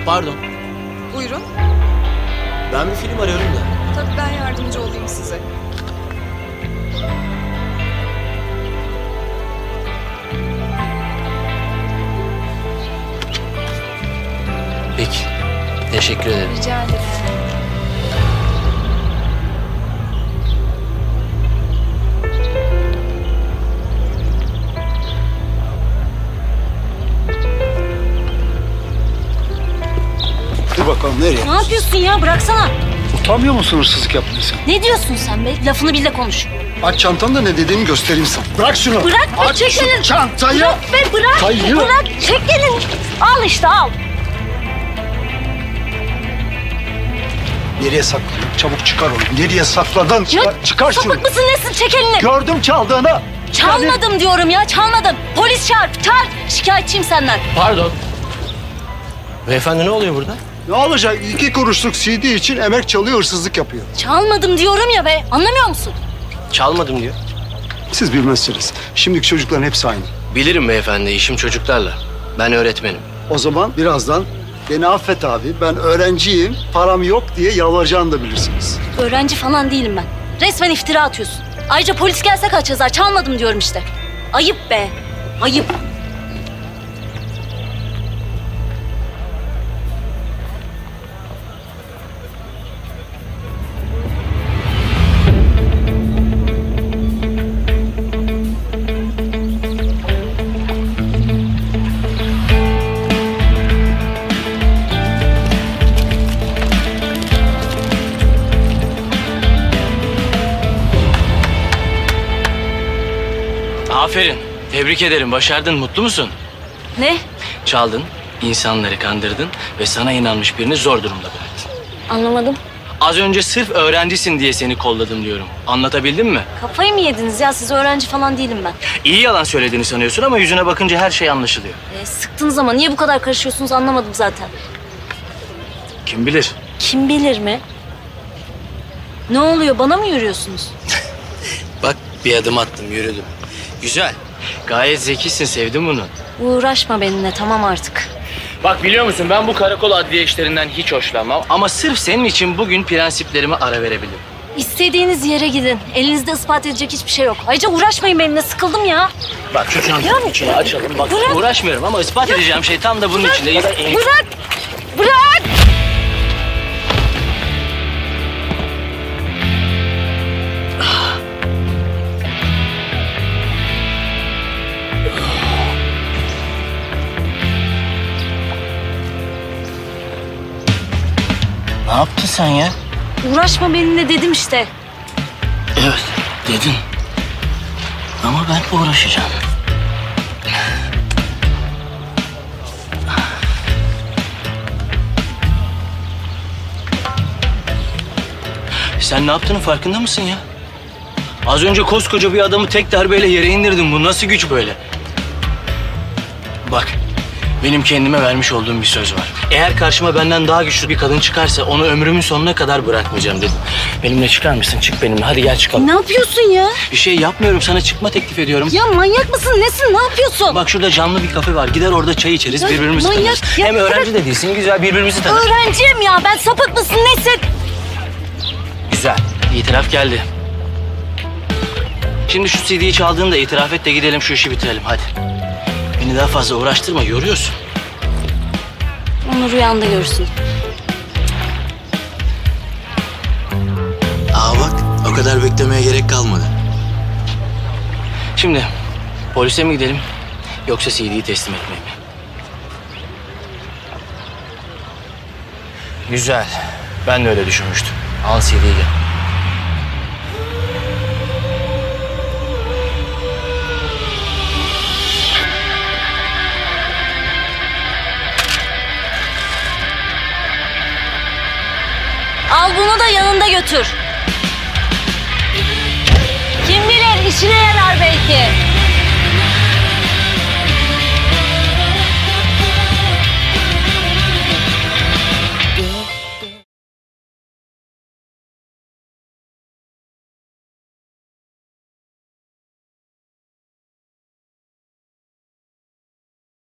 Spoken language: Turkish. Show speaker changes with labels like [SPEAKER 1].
[SPEAKER 1] Pardon.
[SPEAKER 2] Buyurun.
[SPEAKER 1] Ben bir film arıyorum da.
[SPEAKER 2] Tabii ben yardımcı olayım size.
[SPEAKER 1] Peki. Teşekkür ederim.
[SPEAKER 2] Rica ederim.
[SPEAKER 3] Dur bakalım nereye?
[SPEAKER 4] Ne yapıyorsun ya? Bıraksana.
[SPEAKER 3] Utanmıyor musun hırsızlık yaptıysan?
[SPEAKER 4] Ne diyorsun sen be? Lafını bil de konuş.
[SPEAKER 3] Aç çantanı da ne dediğimi göstereyim sana. Bırak şunu.
[SPEAKER 4] Bırak be,
[SPEAKER 3] Aç
[SPEAKER 4] çek
[SPEAKER 3] şu
[SPEAKER 4] elini.
[SPEAKER 3] çantayı.
[SPEAKER 4] Bırak be, bırak.
[SPEAKER 3] Hayır.
[SPEAKER 4] Bırak, çek elini. Al işte, al.
[SPEAKER 3] Nereye sakladın? Çabuk çıkar onu. Nereye sakladın? Çıkar şunu.
[SPEAKER 4] Sapık mısın nesin? Çek elini.
[SPEAKER 3] Gördüm çaldığını.
[SPEAKER 4] Çalmadım diyorum ya, çalmadım. Polis çağır, çağır. Şikayetçiyim senden.
[SPEAKER 1] Pardon. Beyefendi ne oluyor burada?
[SPEAKER 3] Ne olacak? 2 kuruşluk CD için emek çalıyor, hırsızlık yapıyor.
[SPEAKER 4] Çalmadım diyorum ya be. Anlamıyor musun?
[SPEAKER 1] Çalmadım diyor.
[SPEAKER 3] Siz bilmezsiniz. Şimdiki çocukların hepsi aynı.
[SPEAKER 1] Bilirim beyefendi, işim çocuklarla. Ben öğretmenim.
[SPEAKER 3] O zaman birazdan beni affet abi, ben öğrenciyim, param yok diye yalvaracağını da bilirsiniz.
[SPEAKER 4] Öğrenci falan değilim ben. Resmen iftira atıyorsun. Ayrıca polis gelse kaç yazar? Çalmadım diyorum işte. Ayıp be. Ayıp.
[SPEAKER 1] Aferin. Tebrik ederim. Başardın. Mutlu musun?
[SPEAKER 4] Ne?
[SPEAKER 1] Çaldın, insanları kandırdın ve sana inanmış birini zor durumda bıraktın.
[SPEAKER 4] Anlamadım.
[SPEAKER 1] Az önce sırf öğrencisin diye seni kolladım diyorum. Anlatabildim mi?
[SPEAKER 4] Kafayı mı yediniz ya? Siz öğrenci falan değilim ben.
[SPEAKER 1] İyi yalan söylediğini sanıyorsun ama yüzüne bakınca her şey anlaşılıyor.
[SPEAKER 4] Sıktığınız ama niye bu kadar karışıyorsunuz anlamadım zaten.
[SPEAKER 1] Kim bilir?
[SPEAKER 4] Kim bilir mi? Ne oluyor? Bana mı yürüyorsunuz?
[SPEAKER 1] Bak bir adım attım, yürüdüm. Güzel. Gayet zekisin, sevdim bunu.
[SPEAKER 4] Uğraşma benimle, tamam artık.
[SPEAKER 1] Bak biliyor musun ben bu karakol adliye işlerinden hiç hoşlanmam. Ama sırf senin için bugün prensiplerime ara verebilirim.
[SPEAKER 4] İstediğiniz yere gidin. Elinizde ispat edecek hiçbir şey yok. Ayrıca uğraşmayın benimle, sıkıldım ya.
[SPEAKER 1] Bak şu çantanın içini açalım. Bak
[SPEAKER 4] Bırak.
[SPEAKER 1] uğraşmıyorum ama ispat edeceğim şey tam da bunun içinde.
[SPEAKER 4] Bırak! Bırak!
[SPEAKER 1] Ne yaptın sen ya?
[SPEAKER 4] Uğraşma benimle dedim işte.
[SPEAKER 1] Evet dedin. Ama ben uğraşacağım. Sen ne yaptığının farkında mısın ya? Az önce koskoca bir adamı tek darbeyle yere indirdin. Bu nasıl güç böyle? Bak, benim kendime vermiş olduğum bir söz var. Eğer karşıma benden daha güçlü bir kadın çıkarsa onu ömrümün sonuna kadar bırakmayacağım dedim. Benimle çıkar mısın? Çık benimle. Hadi gel çıkalım.
[SPEAKER 4] Ne yapıyorsun ya?
[SPEAKER 1] Bir şey yapmıyorum. Sana çıkma teklif ediyorum.
[SPEAKER 4] Ya manyak mısın? Nesin? Ne yapıyorsun?
[SPEAKER 1] Bak şurada camlı bir kafe var. Gider orada çay içeriz,
[SPEAKER 4] Ya
[SPEAKER 1] birbirimizi
[SPEAKER 4] manyak,
[SPEAKER 1] tanırız.
[SPEAKER 4] ya
[SPEAKER 1] Hem öğrenci de değilsin, güzel birbirimizi tanırız.
[SPEAKER 4] Öğrenciyim ya. Ben sapık mısın? Nesin?
[SPEAKER 1] Güzel. İtiraf geldi. Şimdi şu CD'yi çaldığını da itiraf et de gidelim şu işi bitirelim hadi. Beni daha fazla uğraştırma, yoruyorsun.
[SPEAKER 4] Onu rüyanda görürsün.
[SPEAKER 1] Aa bak, o kadar beklemeye gerek kalmadı. Şimdi polise mi gidelim yoksa CD'yi teslim etmeye mi? Güzel. Ben de öyle düşünmüştüm. Al CD'yi gel.